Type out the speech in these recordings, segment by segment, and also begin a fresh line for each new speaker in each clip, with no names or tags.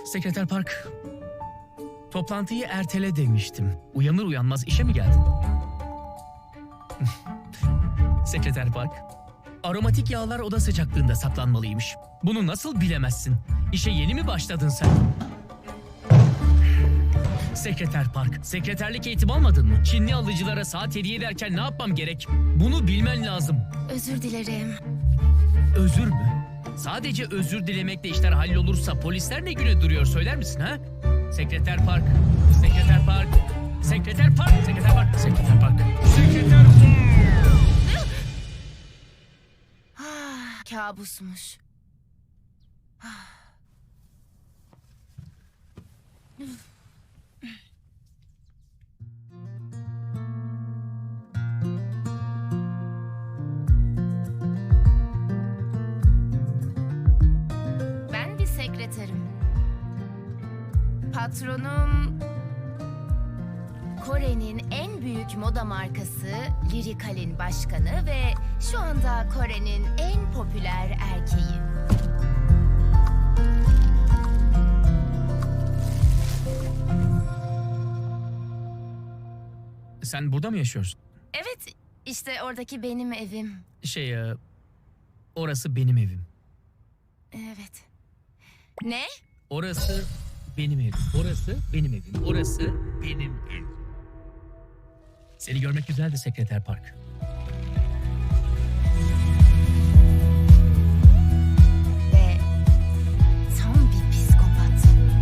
Sekreter Park, toplantıyı ertele demiştim. Uyanır uyanmaz işe mi geldin? Sekreter Park, aromatik yağlar oda sıcaklığında saklanmalıymış. Bunu nasıl bilemezsin? İşe yeni mi başladın sen? Sekreter Park, sekreterlik eğitim almadın mı? Çinli alıcılara saat hediye ederken ne yapmam gerek? Bunu bilmen lazım.
Özür dilerim.
Özür mü? Sadece özür dilemekle işler hallolursa polisler ne güne duruyor söyler misin ha? Sekreter Park, Sekreter Park, Sekreter Park, Sekreter Park, Sekreter Park, Sekreter Park.
Kabusmuş. Ben bir sekreterim. Patronum Kore'nin en büyük moda markası Lirical'in başkanı ve şu anda Kore'nin en popüler erkeği.
Sen burada mı yaşıyorsun?
Evet, işte oradaki benim evim.
Orası benim evim.
Evet. Ne?
Orası benim evim. Orası benim evim. Orası benim evim. Seni görmek güzeldi Sekreter Park.
Ve tam bir psikopat.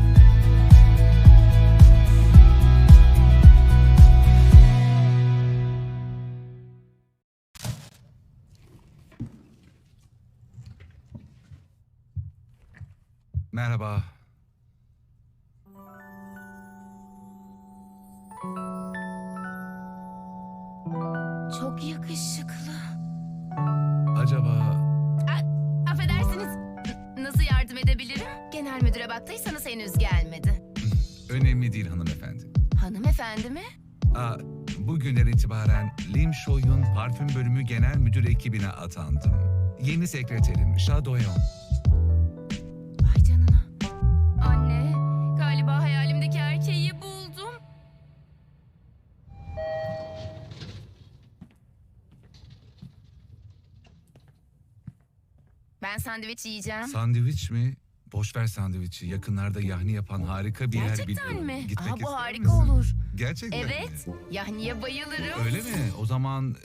Merhaba.
Çok yakışıklı.
Acaba
Affedersiniz. Nasıl yardım edebilirim? Genel müdüre baktıysanız henüz gelmedi.
önemli değil hanımefendi.
Hanımefendi mi?
Bugünden itibaren Lim Shoyun parfüm bölümü genel müdür ekibine atandım. Yeni sekreterim Shadoyeon.
Vay canına. Anne, galiba hayalimdeki erkeği buldum. Ben sandviç yiyeceğim.
Sandviç mi? Boş ver sandviçi. Yakınlarda yahni yapan harika bir yer
Gerçekten
biliyorum.
mi?
Gitmek
Bu
ister
harika
misin?
olur.
Gerçekten
Evet,
mi?
yahniye bayılırım.
Öyle mi? O zaman